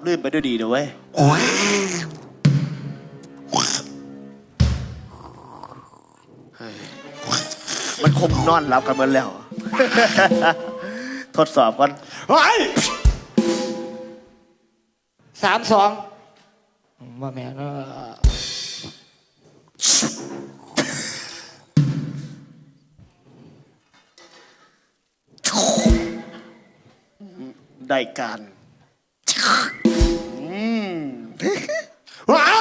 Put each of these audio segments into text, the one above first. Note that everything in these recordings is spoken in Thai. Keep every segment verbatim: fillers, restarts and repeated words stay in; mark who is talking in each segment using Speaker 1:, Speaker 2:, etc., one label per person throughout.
Speaker 1: ลื่นไปด้วยดีนะเว้ยมันคงนอนหลับกันหมดแล้ว ทดสอบก่อน
Speaker 2: สามสองว่าแม่เนาะ
Speaker 1: ได้การ
Speaker 2: ว้าว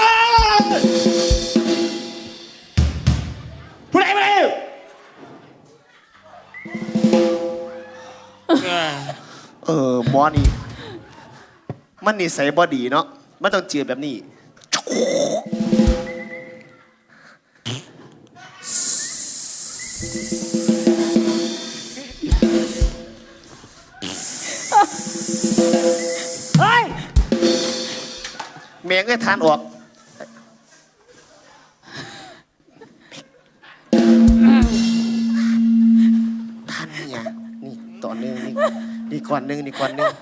Speaker 2: ผู้ใดมาเลย
Speaker 1: เออหมอนี่มันนิสัยบอดีเนาะมันต้องเจือแบบนี้
Speaker 2: เฮ้ย
Speaker 1: เมียงก็ทานออกทานเนี่ยนี่ต่อเนื่องนี่นี่ก่อนหนึ่งนี่ก่อนหนึ่ง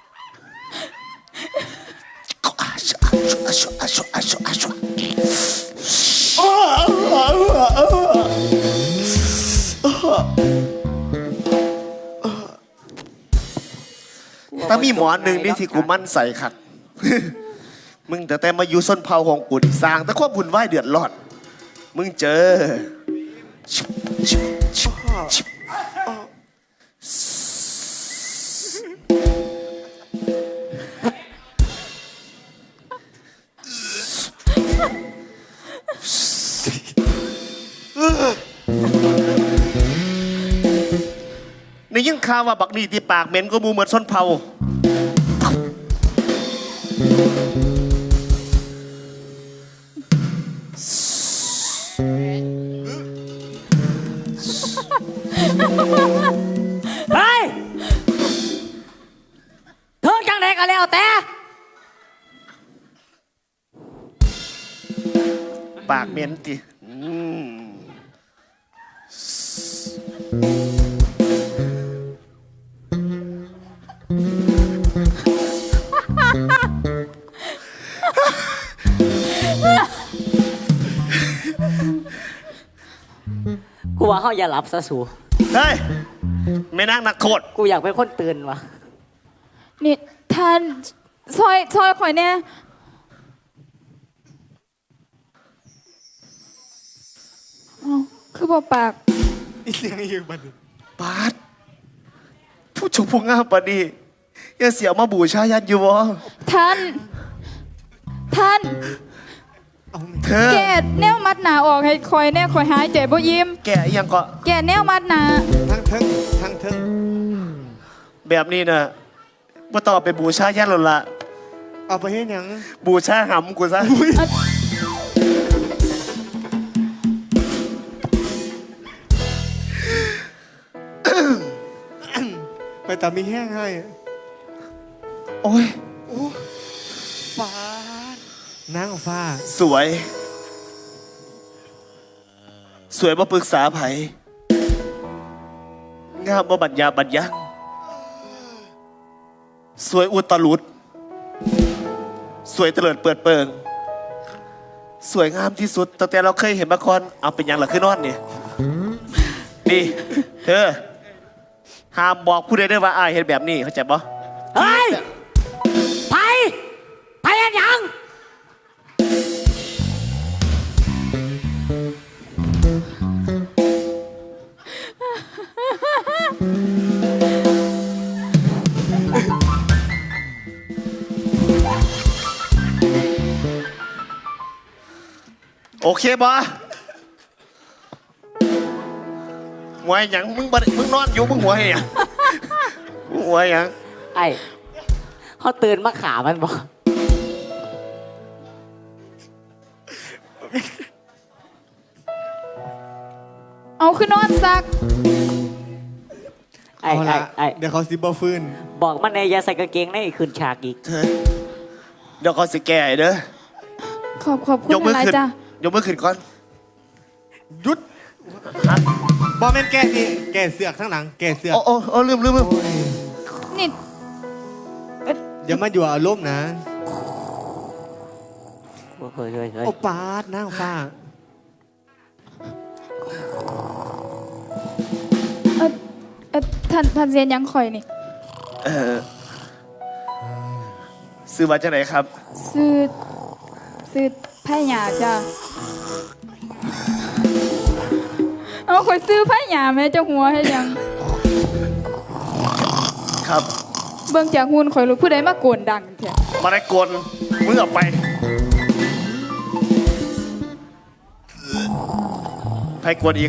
Speaker 1: ถ้ามีหมอหนึ่งนี่ที่กูมั่นใส่ขัด มึงแต่แต่มาอยู่ส้นเผาของกูสร้างแต่ความบุญไหวเดือดร้อนมึงเจอในยิ่งข่าวว่าบักนี่ที่ปากเหม็นก็มูเหมือนส้นเผา
Speaker 2: เฮ้ยเธอจังไหนกันแล้วแต่
Speaker 1: ปากเหม็นติ
Speaker 2: กูว่าเขาอย่าหลับซะสู
Speaker 1: เฮ้ยไม่นั่งนักโทษ
Speaker 2: กูอยากเป็นคนตื่นวะ
Speaker 3: นี่ท่านซอยซอยข่อยเนี่ยคือบอกปาก
Speaker 1: อีเสียงยืมบันปาดผู้ชมผู้งามปาดียังเสียมาบูชายันอยู่วะ
Speaker 3: ท่านท่าน
Speaker 1: เธอ
Speaker 3: แกแนวมัดหนาออกให้คอยแน่คอยหายใจบ่ยิ้ม
Speaker 1: แกยังก็
Speaker 3: แกแนวมัดหนา
Speaker 1: ทั้งทั้งทั้งทั้งแบบนี้นะว่าต่อไปบูชายันหรอละ
Speaker 2: เอาไปให้ยัง
Speaker 1: บูชาหำกูซะ
Speaker 2: ไปตามมีแห้งให้
Speaker 1: โอ้ย
Speaker 2: ฟ้านั่งฟ้า
Speaker 1: สวยสวยมาปรึกษาไผงามมาบัญญาบัญญังสวยอุตลุดสวยเตลิดเปิดเปิงสวยงามที่สุดตั้งแต่เราเคยเห็นมาก่อนเอาเป็นยังหลักขึ้นนอนเนี่ยนี่เธอห้ามบอกผู้ใดได้ว่าอายเห็นแบบนี้เข้าใจปะ
Speaker 2: เฮ้ยไปไปยังยัง
Speaker 1: โอเคปะหัวยังมึงบัดมึงนอนอยู่มึงหัวเหี้ยมึงหัวยัง
Speaker 2: ไอ้เขาตื่นมาขามันบอก
Speaker 3: เอาขึ้นนอนซัก
Speaker 2: ไอ้ไอ้ไอ้
Speaker 1: เดี๋ยวเขาซิบบ่ฟื้น
Speaker 2: บอกมันในอย่าใส่กางเกงในคืนฉากอีก
Speaker 1: เธอเดี๋ยวเขาสิแก่เด้อ
Speaker 3: ขอบขอบคุณอะไรจ้ะ
Speaker 1: ยกมือขึ้นก่อนหยุด
Speaker 4: บอมเมนแกสิแกเสือกทั้งหลังแกเสือก
Speaker 1: โอ้โอ้โอ้ลืมลืมลืม
Speaker 3: นี่
Speaker 4: อย่ามาอยู่อารมณ์นะ
Speaker 5: เฮ้ยเฮ้ยเฮ้ย
Speaker 4: โอปาดนางฟ้า
Speaker 3: เออเออท่านท่านเซียนยังคอยนี่
Speaker 1: เออซื้อมาจากไหนครับ
Speaker 3: ซื้อซื้อไผ่หยาจ้ะเอาคอยซื้อไผ่หยาแม่เจ้าหัวให้ยัง
Speaker 1: ครับ
Speaker 3: เบิ่งจากหุ่นคอยรู้ผู้ใดมาโกนดังแท้
Speaker 1: มาได้กวนมึงออกไปให้กวนอีก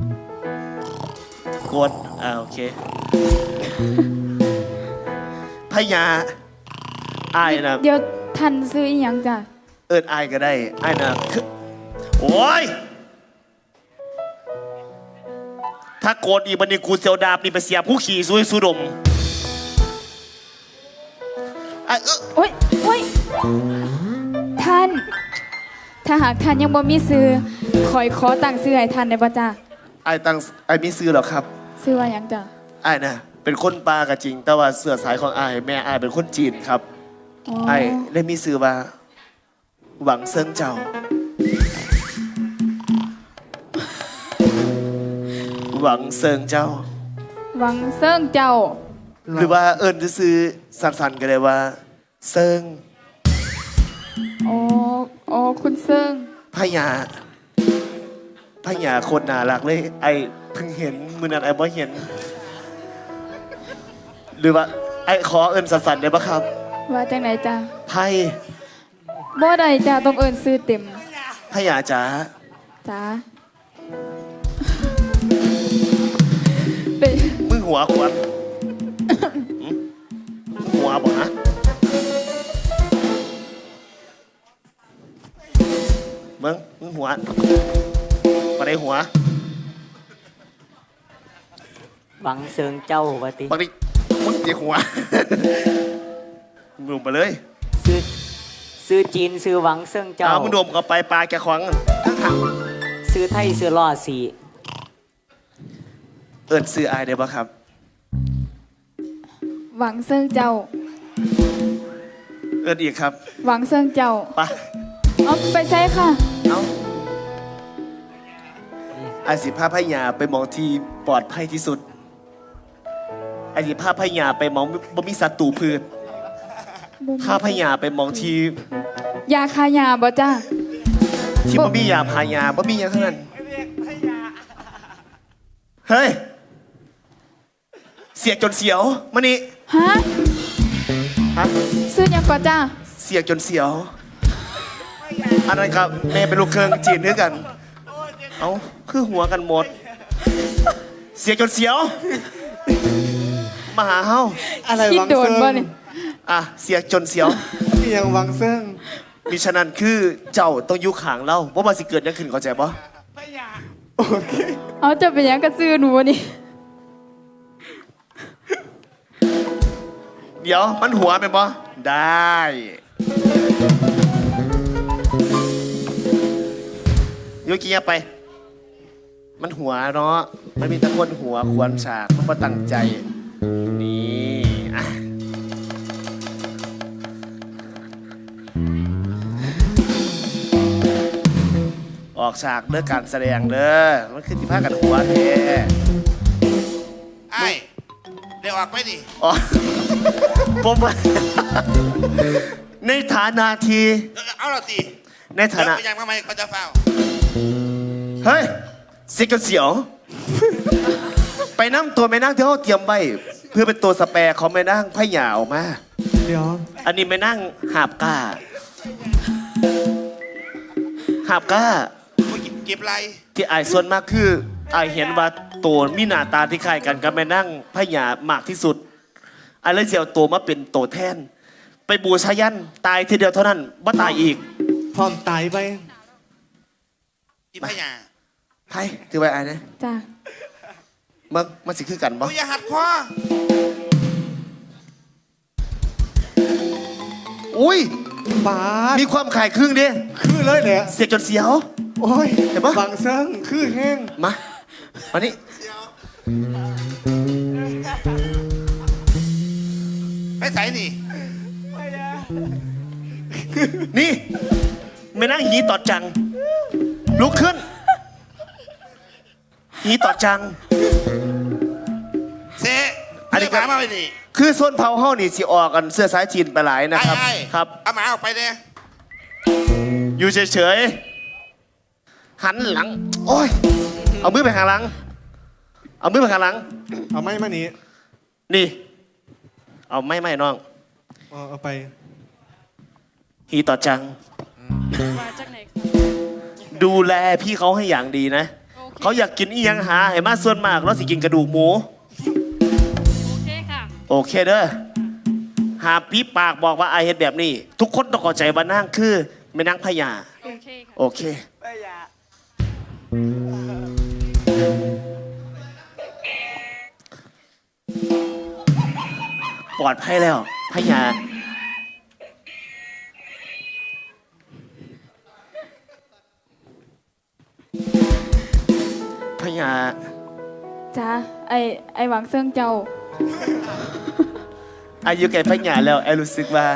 Speaker 1: กวนอ่าโอเคพญาอายนะ
Speaker 3: เดี๋ยวท่านซื้ออีหยังจ้ะ
Speaker 1: เอิญอายก็ได้อายนะคือโอ้ยถ้าโกนอีกบันนี้กูเสียวดาบนี่ไปเสียบผู้ขี่ซุยสุดมไอ้เออ
Speaker 3: โอ้ยโอ้ยท่าน ถ้าหากท่านยังบ่มีซื้อคอยขอตั้งซื้อให้ท่านได้บ่จ้ะ
Speaker 1: ไอ้ตั้งไอ้มีซื้อหรอครับ
Speaker 3: ซื้อว่าหยังจ้ะ
Speaker 1: ไอ้นะเป็นคนปลาก็จริง แต่ว่าเสื้อสายของไอ้แม่ไอ้เป็นคนจีนครับ
Speaker 3: อ๋อ
Speaker 1: ไอ้ได้มีซื้อว่า หวังเซิงเจ้า หวังเซิงเจ้า
Speaker 3: หวังเซิงเจ้า
Speaker 1: หรือว่าเอิญจะซื้อสันๆก็ได้ว่า เซิง
Speaker 3: อ๋ออ๋อคุณเซิง
Speaker 1: พญาพญาคนน่ารักเลย ไอ้เพิ่งเห็นมือนั้นไอ้บ่เห็น หรือว่า ไอ้ขอเอิญสันๆได้ปะครับ
Speaker 3: ว่าจังไหนจ้ะ
Speaker 1: ไพ่
Speaker 3: บ่ได้จ้ะต้องเอิ้นซื้อเต็ม
Speaker 1: พญาจ๋า
Speaker 3: จ้าเป็น
Speaker 1: มึงหัวขวานหึมึงหัวบ่ฮะมึงมึงหัวมาได้หัว
Speaker 5: หวังเซิงเจ้าว่าติ
Speaker 1: บางทีมึงเจียหัว มึงดมไปเลย
Speaker 5: ซื้อซื้อจีนซื้อหวังเซิงเจ้า
Speaker 1: เอามึงดมเข้าไปปลาแกขวางทั้งหัก
Speaker 5: ซื้อไทยซื้อล่อสี
Speaker 1: เอิญซื้ออายได้ปะครับ
Speaker 3: หวังเซิงเจ้า
Speaker 1: เอิญอีกครับ
Speaker 3: หวังเซิงเจ้า
Speaker 1: ไป
Speaker 3: เอาไปใช้ค่ะ
Speaker 1: เอาไอสิภาพพญาไปมองที่ปลอดภัยที่สุดไอสิภาพพญาไปมองบ่มีศัตรูพืชภาพพญาไปมองที่
Speaker 3: ยาคายาบ่จ้า
Speaker 1: ที่บ่มียาพายาบ่มีอย่างทั้งนั้นเฮ้ย เสียกจนเสียวมานี่
Speaker 3: ฮะ
Speaker 1: ฮะ
Speaker 3: ซื้อหยังก่อนจ้า
Speaker 1: เสียกจนเสียว อันนั้นครับแม่เป็นลูกเครื่องจีนด้วยกัน เอาคือหัวกันหมด เสียกจนเสียว มาหาเฮา
Speaker 4: อะไร
Speaker 3: คิด
Speaker 4: วัง
Speaker 3: โดน
Speaker 4: เซิง
Speaker 3: บ่นี่
Speaker 1: อ่ะ เสียกจนเสียว
Speaker 4: มีอย่างวังเซิง
Speaker 1: มิฉะนั้นคือเจ้าต้องอยู่ข้างเราว่ามันสิเกิดหยังขึ้นเข้าใจปะ
Speaker 4: โอเค
Speaker 3: เอาจะเป็นหยังกระซื้อหนูนี่
Speaker 1: เดี๋ยวมันหัวเป็นปะได้โยกี้ไป มันหัวเนาะมันมีแตะคนหัวควรฉากมันก็ตั้งใจ นี่อ่ะออกฉากเด้อการแสดงเด้อมันคือที่พากันหัวแท้
Speaker 6: ไอ้เดี๋ยวออกไปดิ
Speaker 1: อ๋อ ผมว่าในฐานะที่
Speaker 6: เดี๋ยวเอาละตี
Speaker 1: ในฐานะ
Speaker 6: เดี๋ยวไปยังทำไมเขาจะเฝ้า
Speaker 1: เฮ้ยเสียกันเสียว ไปนั่งตัวแม่นั่งที่เขาเตรียมไว้ เพื่อเป็นตัวสแปรของแม่นั่งพะหยาออกมา
Speaker 4: เดี๋ยว
Speaker 1: อันนี้แม่นั่งหาบก้า หาบก้า
Speaker 6: มึงเก็บไร
Speaker 1: ที่อายส่วนมากคืออายเห็นว่าตัวมีหน้าตาที่คล้ายกันกับแม่นั่งพะหยามากที่สุดอายเลยเสียวตัวมาเป็นตัวแทน ไปบูชายันตายทีเดียวเท่านั้นว่าตายอีก
Speaker 4: พร้อมตายไป
Speaker 6: อีพญา
Speaker 1: ไพ่ถือไว้อายนะ
Speaker 3: จ้า
Speaker 1: มันมันสิคือกันบ่
Speaker 6: โอ้ยอย่าหัดคอ
Speaker 1: อุ้ย
Speaker 4: ปาด
Speaker 1: มีความขายครึ่งดิ
Speaker 4: คือเลยเนี่ย
Speaker 1: เสียจนเสียว
Speaker 4: โอ้ย
Speaker 1: เห็นปะ
Speaker 4: วังเซิงคือแห้ง
Speaker 1: มามานี่
Speaker 6: ไปใส่นี่
Speaker 1: นี่ไม่นั่งหีตอดจัง ลุกขึ้น หีตอดจัง
Speaker 6: เซ
Speaker 1: อันนี้
Speaker 6: เรียกหมามาไปดิ
Speaker 1: คือส่วนเผาเฮานี่สิออกกันเสื้อสายจีนไปหลายนะครับ
Speaker 6: ไอ้
Speaker 1: ครับ
Speaker 6: เอาหมาออกไปเนี่ย
Speaker 1: อยู่เฉยๆ หันหลัง โอ้ย เอามือไปข้างหลัง เอามือไปข้างหลัง
Speaker 4: เอาไม้มานี้
Speaker 1: นี่ เอาไม่ไม่น้อง
Speaker 4: เอาเอาไป
Speaker 1: ฮีต่อจัง ดูแลพี่เขาให้อย่างดีนะ เขาอยากกินอีหยังหาให้มาส่วนมากแล้วสิกินกระดูกหมู
Speaker 3: โอเคค่ะ
Speaker 1: โอเคเด้อ หาปีปากบอกว่าไอายเฮ็ดแบบนี้ ทุกคนต้องเข้าใจว่านั่งคือไม่นั่งพญา
Speaker 3: โอเคค่ะ
Speaker 1: โอเค ปลอดภัยแล้วพญาพญา
Speaker 3: จ้าไอไอหวังเซิงเจ้า
Speaker 1: อายุแก่พญาแล้วไอรู้สึกว่า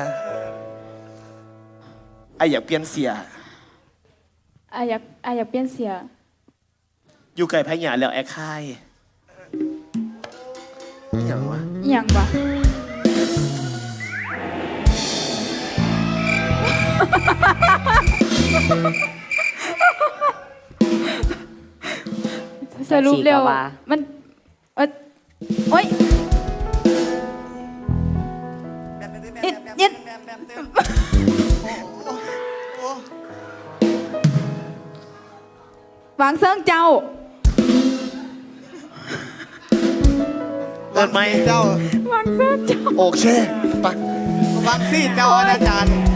Speaker 1: ไออยากเปลี่ยนเสีย
Speaker 3: ไออยากไออยากเปลี่ยนเสีย
Speaker 1: อยู่ไก่พญาแล้วไอค่ายอหย่างวะ
Speaker 3: อหย่างวะ สรุปเร็ว
Speaker 5: จังสิกะว่า
Speaker 3: มันเอยโอ๊ยเอ็ดเอ็ดหวังเซิงเจ้า
Speaker 1: เปิดไหม
Speaker 4: เจ้า
Speaker 3: หวังเซิงเจ้า
Speaker 1: โอเคไป
Speaker 4: วังซี่เจ้าอาจารย์